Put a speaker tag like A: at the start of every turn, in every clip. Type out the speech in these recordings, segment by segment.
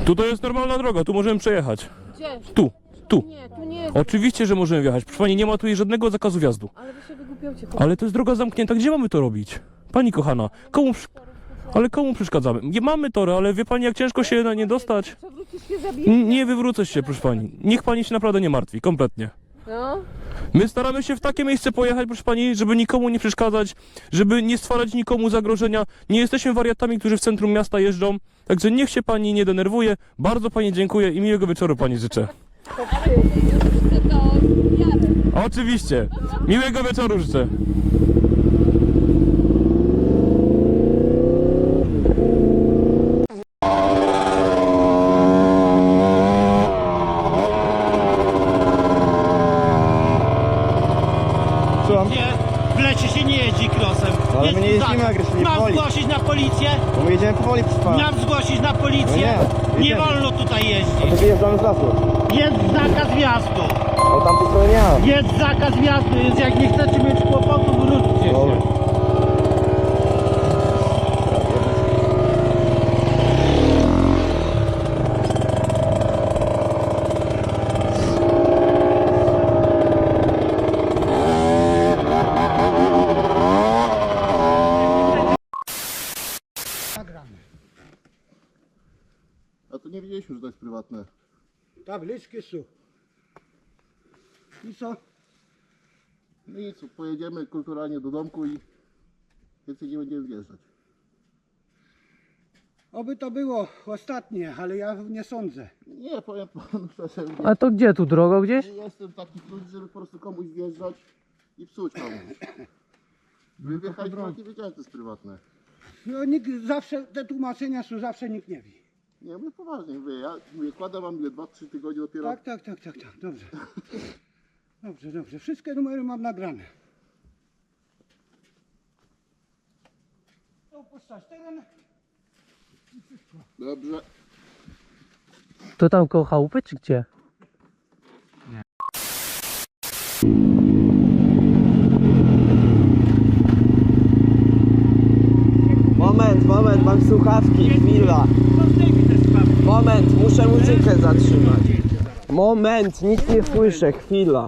A: Tutaj jest normalna droga, tu możemy przejechać.
B: Gdzie?
A: Tu.
B: Nie, tu nie jest.
A: Oczywiście, że możemy wjechać. Proszę pani, nie ma tu żadnego zakazu wjazdu.
B: Ale wy się wygłupiacie.
A: Ale to jest droga zamknięta, gdzie mamy to robić? Pani kochana, ale komu przeszkadzamy? Nie mamy tory, ale wie pani, jak ciężko się na nie dostać?
B: Przewrócisz się, zabijesz.
A: Nie wywrócę się, proszę pani. Niech pani się naprawdę nie martwi, kompletnie.
B: No.
A: My staramy się w takie miejsce pojechać, proszę pani, żeby nikomu nie przeszkadzać, żeby nie stwarzać nikomu zagrożenia. Nie jesteśmy wariatami, którzy w centrum miasta jeżdżą, także niech się pani nie denerwuje. Bardzo pani dziękuję i miłego wieczoru pani życzę.
B: To jarę.
A: Oczywiście. Miłego wieczoru życzę.
C: Nie, w lecie się nie jeździ krosem.
D: Ale my nie jeździmy agresywnie,
C: Mam
D: powoli.
C: zgłosić na policję?
D: Bo my jedziemy powoli przez pana.
C: Mam zgłosić na policję?
D: No nie,
C: Nie
D: jedziemy.
C: wolno tutaj
D: A
C: jeździć.
D: to wyjeżdżamy z lasu.
C: Jest zakaz wjazdu.
D: O tamtej stronie nie ma.
C: Jest zakaz wjazdu, więc jak nie chcecie mieć kłopotu, wróćcie
D: Dobra.
C: się.
E: A to nie wiedzieliśmy, że to jest prywatne.
F: Tabliczki są. I co?
E: No i co, pojedziemy kulturalnie do domku i więcej nie będziemy wjeżdżać.
F: Oby to było ostatnie, ale ja nie sądzę.
E: Nie, powiem panu szczerze,
G: A to gdzie tu droga gdzieś?
E: nie jestem taki ludzi, żeby po prostu komuś wjeżdżać i psuć komuś. Wy wjechać nie wiedziałem, że to jest prywatne.
F: No, nikt zawsze, te tłumaczenia są, zawsze nikt nie wie.
E: Nie, mówię poważnie, mówię, ja mówię, kładę wam ile 2-3 tygodnie dopiero.
F: Tak, dobrze. Dobrze, wszystkie numery mam nagrane. Opuszczać teren.
E: Dobrze.
G: To tam koło chałupy czy gdzie?
D: Moment, mam słuchawki, chwila. Moment, muszę muzykę zatrzymać. Moment, nic nie słyszę, chwila.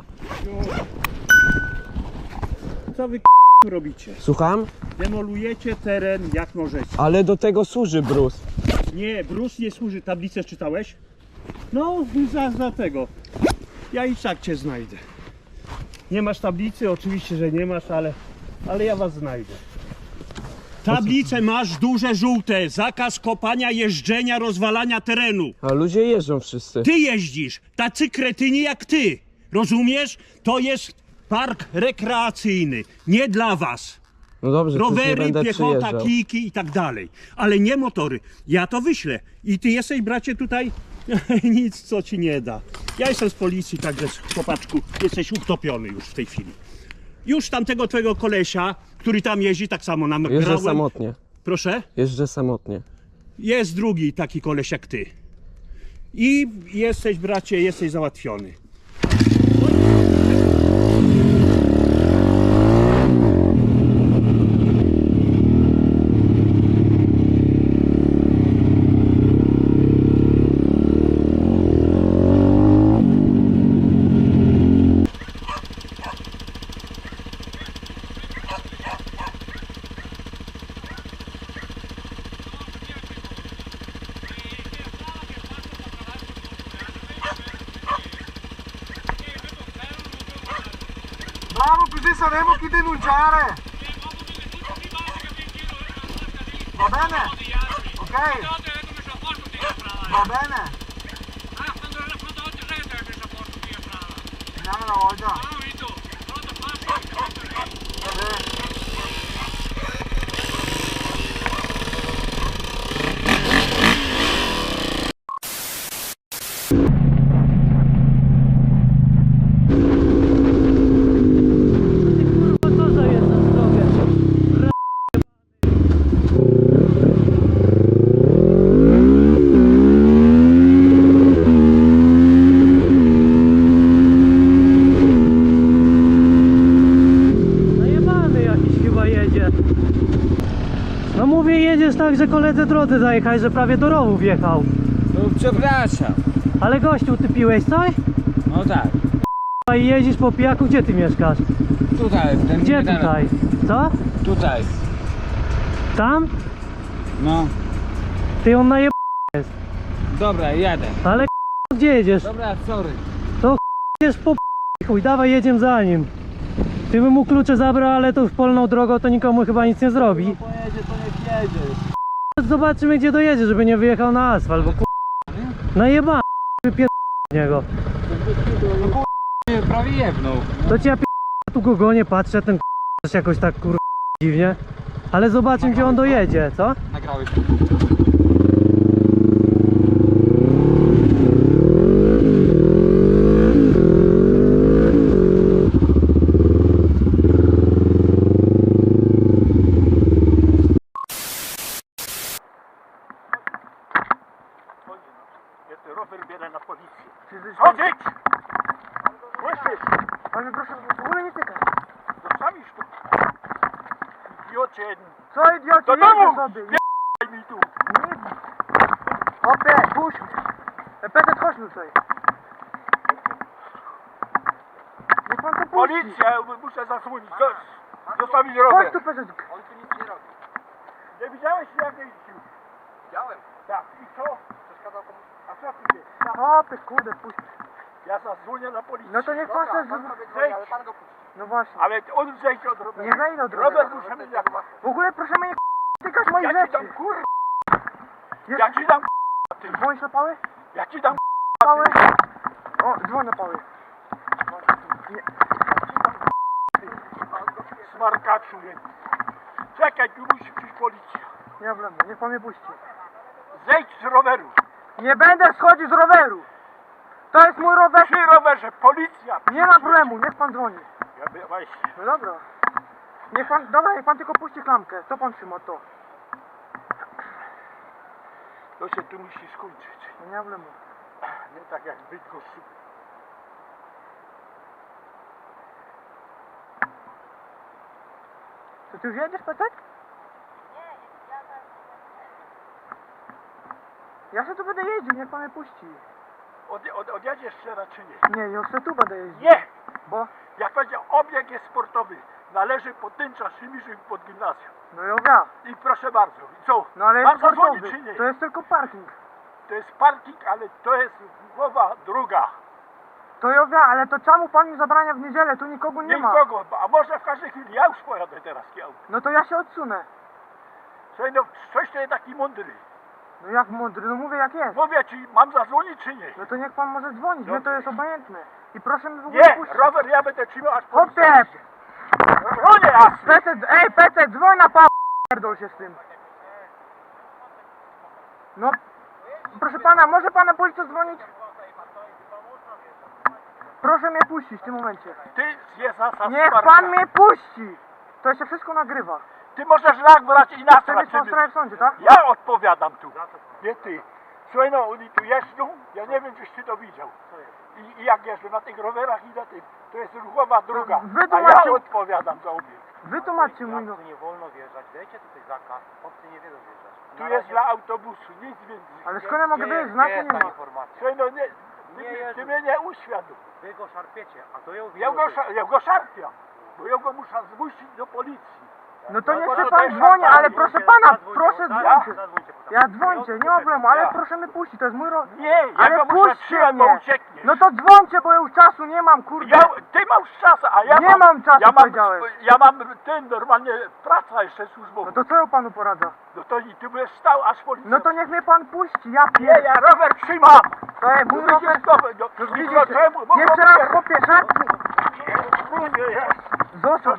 C: Co wy robicie?
D: Słucham?
C: Demolujecie teren jak możecie.
D: Ale do tego służy brus.
C: Nie, brus nie służy. Tablicę czytałeś? No, za tego. Ja i tak cię znajdę. Nie masz tablicy? Oczywiście, że nie masz, ale ja was znajdę. Tablice masz duże, żółte. Zakaz kopania, jeżdżenia, rozwalania terenu.
D: A ludzie jeżdżą wszyscy.
C: Ty jeździsz, tacy kretyni jak ty. Rozumiesz? To jest park rekreacyjny. Nie dla was.
D: No dobrze, to już nie
C: Rowery,
D: będę
C: piechota,
D: przyjeżdżał.
C: kijki i tak dalej. Ale nie motory. Ja to wyślę. I ty jesteś, bracie, tutaj nic, co ci nie da. Ja jestem z policji, także chłopaczku, jesteś utopiony już w tej chwili. Już tamtego twojego kolesia, który tam jeździ, tak samo nagrałem.
D: Jeżdżę samotnie.
C: Proszę?
D: Jeżdżę samotnie.
C: Jest drugi taki koleś jak ty. I jesteś, bracie, jesteś załatwiony.
F: Bravo, così saremo chi denunciare. Va bene? Ok? Va bene? Andiamo una volta.
G: Co za jedna drogę? Najebany jakiś chyba jedzie. No mówię, jedziesz tak, że koledze drodzy zajechać, że prawie do rowu wjechał.
H: No przepraszam.
G: Ale gościu, ty piłeś coś?
H: No tak.
G: A i jeździsz po pijaku, gdzie ty mieszkasz?
H: Tutaj. Ten
G: Gdzie
H: niedaleko.
G: tutaj? Co?
H: Tutaj.
G: Tam?
H: No.
G: Ty on naje...
H: Dobra, jadę.
G: Ale gdzie jedziesz?
H: Dobra, sorry.
G: Jedziesz po chuj, dawaj jedziemy za nim. Ty bym mu klucze zabrał, ale to już polną drogą to nikomu chyba nic nie zrobi.
H: Pojedzie, to niech jedzie.
G: Zobaczymy gdzie dojedzie, żeby nie wyjechał na asfalt, bo najeba wypier... niego.
H: Nie, prawie jebnął.
G: To ci ja tu go gonię, patrzę, ten też jakoś tak dziwnie. Ale zobaczymy gdzie on dojedzie, co?
H: Nagrałeś.
C: Jest rower bierę na policję. Chodzić! Słyszysz?
F: Panie proszę, w ogóle nie tykać.
C: Zostawisz tu. Idiocie jeden.
F: Co idioci,
C: Do domu!
F: jedzie sobie.
C: Daj mi tu.
F: Hopie, puść mnie. Petet, chodź mi tutaj. Niech pan to puści.
C: Policja, muszę zasłonić. Zostawić rower.
F: Chodź tu, Petet.
C: Nie widziałeś jak jeździł? Widziałem. Tak, i co? Przeszkadzał komuś. A co ty wiesz?
F: Hopie, kurde, puść.
C: Ja zadzwonię na policję.
F: No to niech pan se...
C: Zejdź.
F: No właśnie.
C: Ale on zejdź od roweru.
F: Nie zejdę od
C: Rower
F: roweru.
C: muszę mieć jak ma.
F: W ogóle proszę mnie nie tykać moich
C: Ja ci dam
F: rzeczy.
C: kur...
F: Jest...
C: Ja ci dam ty.
F: Dzwonisz na pały?
C: Ja ci dam
F: Pały? O, dzwoń na pały.
C: smarkaczu jeden. Czekaj, tu musi przyjść policja.
F: Nie ma problemu, niech pan mnie puści.
C: Zejdź z roweru.
F: Nie będę schodził z roweru. To jest mój rower.
C: Przy rowerze, policja.
F: Nie ma problemu, niech pan dzwoni.
C: Ja by, właśnie.
F: No dobra. Niech pan, dobra, niech pan tylko puści klamkę. Co pan trzyma to?
C: To się tu musi skończyć.
F: No nie ma problemu.
C: Nie tak jak Bydgoszcz.
F: To ty już jedziesz, Petek? Ja się tu będę jeździł, niech pan mnie puści.
C: Odjedziesz się raczej nie?
F: Nie, ja się tu będę jeździł.
C: Nie!
F: Bo?
C: Jak będzie obieg jest sportowy, należy pod Tyncza, Szymiszyn, pod gimnazjum.
F: No ja.
C: I proszę bardzo, i co?
F: No ale
C: Mam
F: jest
C: zadzwonić
F: sportowy.
C: czy nie?
F: To jest tylko parking.
C: To jest parking, ale to jest głowa druga.
F: To ja wiem, ale to czemu pan mi zabrania w niedzielę? Tu nikogo nie ma.
C: Nikogo, a może w każdej chwili, ja już pojadę teraz kieł.
F: No to ja się odsunę.
C: Słuchaj, no coś to jest taki mądry.
F: No jak mądry, no mówię jak jest.
C: Mówię ci, mam zadzwonić czy nie?
F: No to niech pan może dzwonić, mnie to
C: Dobrze.
F: jest obojętne. I proszę mi w ogóle
C: Nie,
F: puścić.
C: rower ja będę trzymał aż po...
F: Hopie!
C: No nie, jasne.
F: Pecet, ej Pecet, dzwoń na pa... Pierdol się z tym. No, proszę pana, może pan na policję dzwonić? Proszę mnie puścić w tym momencie.
C: Ty jest za
F: Niech pan mnie puści! To się wszystko nagrywa.
C: Ty możesz nagrać i
F: Chce
C: nasrać.
F: mieć pan sprawę w sądzie, tak?
C: Ja odpowiadam tu. Nie ty. Słuchaj, no oni tu jeżdżą, ja nie wiem, czyś ty to widział. I jak jeżdżą na tych rowerach i na tym, to jest ruchowa druga. A
F: Wytłumaczył-
C: ja odpowiadam za obieg.
F: Wytłumaczcie mój no.
I: Nie wolno wjeżdżać, dajcie tutaj zakaz, obcy nie wiedzą wjeżdżać.
C: Tu jest dla autobusu, nic więcej.
F: Ale skąd ja mogę wiedzieć? Znaku nie ma.
I: informacja.
C: Słuchaj, no nie,
I: Nie
C: ty
I: jest.
C: mnie nie uświadom.
I: Wy go szarpiecie, a to ją
C: Ja go szarpiam, bo ja go muszę zmusić do policji.
F: No to
C: No
F: niech
C: bo
F: się
C: to
F: pan
C: też
F: dzwoni,
C: szantaż.
F: ale proszę pana, proszę
C: Ja?
F: dzwońcie.
I: Zadzwońcie potem.
F: Ja dzwońcie, nie ma problemu, ale proszę mnie puścić, to jest mój rower.
C: Nie, ja
F: Ale
C: go muszę
F: puśćcie
C: trzymać, bo
F: mnie.
C: uciekniesz.
F: No to dzwońcie, bo ja już czasu nie mam, kurde.
C: Ty masz czas, a ja
F: Nie mam czasu, powiedziałeś.
C: Ja mam ten normalnie praca jeszcze służbowa.
F: No to co ja panu poradza?
C: No to i ty byłeś stał, aż policja.
F: No to niech mnie pan puści, ja
C: Nie,
F: pierdolę.
C: ja rower trzymam.
F: To jest mój
C: Widzisz
F: rower.
C: to?
F: No
C: No,
F: widzicie,
C: no,
F: jeszcze raz chłopie, szarpnij. Zostaw.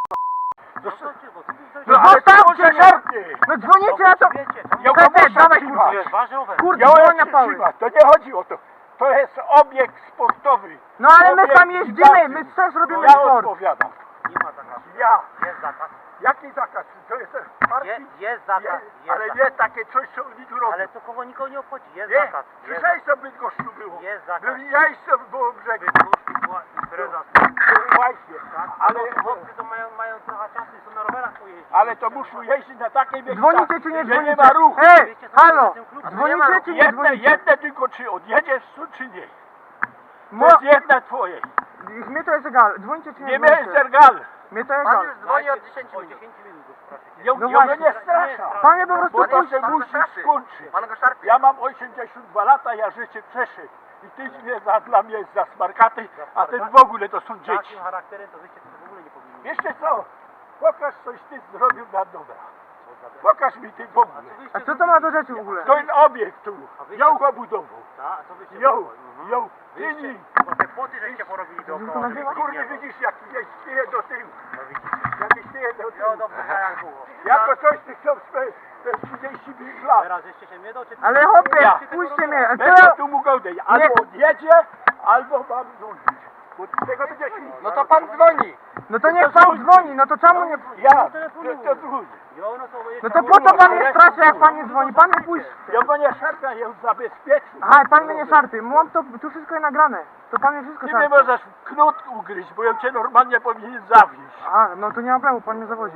C: No ale
F: Zostawcie
C: ty
F: mnie.
C: szarpnie.
F: No dzwonicie, ja to...
C: Ja go
F: Pepe,
C: muszę
F: dawaj,
C: trzymać.
F: kurde.
I: jest wasz rower.
F: Kurde,
C: Ja
F: dzwoń na
C: go
F: pały.
C: trzymać. To nie chodzi o to. To jest obieg sportowy.
F: No ale my
C: Obieg
F: tam jeździmy, my
C: gimnazjum.
F: też robimy
C: Ja
F: sport.
C: odpowiadam.
I: Nie ma zakazu.
C: Ja.
I: Jest zakaz.
C: Jaki zakaz? To jest parking?
I: Jest zakaz.
C: Nie,
I: Jest
C: ale
I: zakaz.
C: nie takie coś, co oni tu robią.
I: Ale to kogo nikogo nie obchodzi. Jest
C: Nie,
I: zakaz. Jest
C: słyszałeś co w Bydgoszczu było?
I: Jest zakaz.
C: Ja jeszcze było brzegu.
I: Bydgoszcz była impreza.
C: Właśnie, ale...
I: Chłopcy to mają trochę czasu i są na rowerach
C: Ale to muszą jeździć na takiej miejscu,
F: Dzwonicie czy nie
C: gdzie nie
F: dzwonicie?
C: ma ruchu.
F: Ej, halo! Dzwonicie czy nie dzwonicie?
C: Jedne tylko, czy odjedziesz tu, czy nie. To
F: Mo...
C: jest jedna twoje.
F: Mnie to jest egal. Dzwonicie czy nie
C: Nie miałeś
F: dzwonicie?
C: zergal.
F: Mnie to egal.
I: Dzwoni od 10 minut.
C: Ja
F: No
C: go
F: właśnie.
C: nie strasza.
F: Panie po prostu
C: Bo to
F: puść.
C: się musi skończyć.
I: Pan go szarpie.
C: Ja mam 82 lata, ja życie przeszedł. I ty mnie dla mnie jest za smarkaty, a ten w ogóle to są dzieci.
I: Takim charakterem to wyście w ogóle nie powinni.
C: Wiecie co? Pokaż coś ty zrobił na dobra. Pokaż mi ty w ogóle.
F: A co to ma do rzeczy w ogóle?
C: To jest obiekt tu. Ją go budował.
I: A co wyście
C: Ją. Tyni.
I: Bo te płoty żeście porobili dookoła. żeby nikt
C: Kurde,
I: nie był.
C: widzisz jak śpieje do tyłu.
I: No widzicie.
C: Jak śpieje do
I: No
C: tyłu.
I: dobrze, tak jak było.
C: Jako coś ty chcą spać. To jest 35 lat.
I: Teraz żeście się mnie doczytali.
F: Ale hopie,
C: Ja.
F: puśćcie mnie.
C: Będę tu mógł odejść. Albo odjedzie, albo mam dzwonić. Bo tego będzie się...
I: No to pan dzwoni.
F: No to niech pan dzwoni, no to czemu nie...
C: Ja, to dzwoni.
F: No to po co pan mnie straszy, jak pan nie dzwoni? Pan mnie puść.
C: Ja go nie szarpia, ja zabezpieczył.
F: Aha, pan mnie nie szarpie. Mam to, tu wszystko jest nagrane. To pan mnie wszystko
C: Ty mnie
F: szarpie.
C: możesz knut ugryźć, bo ja cię normalnie powinien zawieźć.
F: Aha, no to nie ma problemu, pan mnie zawodzi.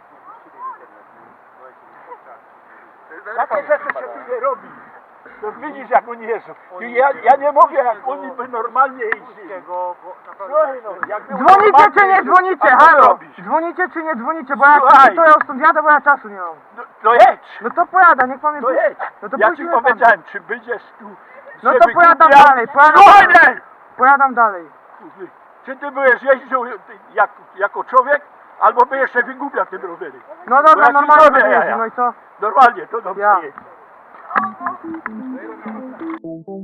C: Takie rzeczy się tu nie robi. To widzisz jak oni jeżdżą. Ja nie mówię jak oni by normalnie jeździli. Słuchaj no, jakby
F: Dzwonicie czy nie dzwonicie?
C: A co
F: Halo!
C: robisz?
F: Dzwonicie czy nie dzwonicie? Bo jak
C: Słuchaj.
F: to ja stąd jadę, bo ja czasu nie mam.
C: To jedź!
F: No to pojada, niech pan mnie
C: To
F: puści.
C: jedź!
F: No to
C: Ja
F: puści
C: ci
F: mnie pan.
C: powiedziałem, czy będziesz tu.
F: No
C: się
F: to pojadam
C: wygłupiał?
F: dalej, pojadam
C: Słuchaj
F: dalej.
C: mnie!
F: Pojadam dalej.
C: Czy ty byłeś jeździł jako człowiek, albo byłeś się wygłupiał tym rowerem?
F: No
C: Bo
F: dobra,
C: ja ci
F: normalnie
C: zrobię
F: będę
C: jaja.
F: jeździł, no i co?
C: Normalnie, to dobrze
F: Ja.
C: jest.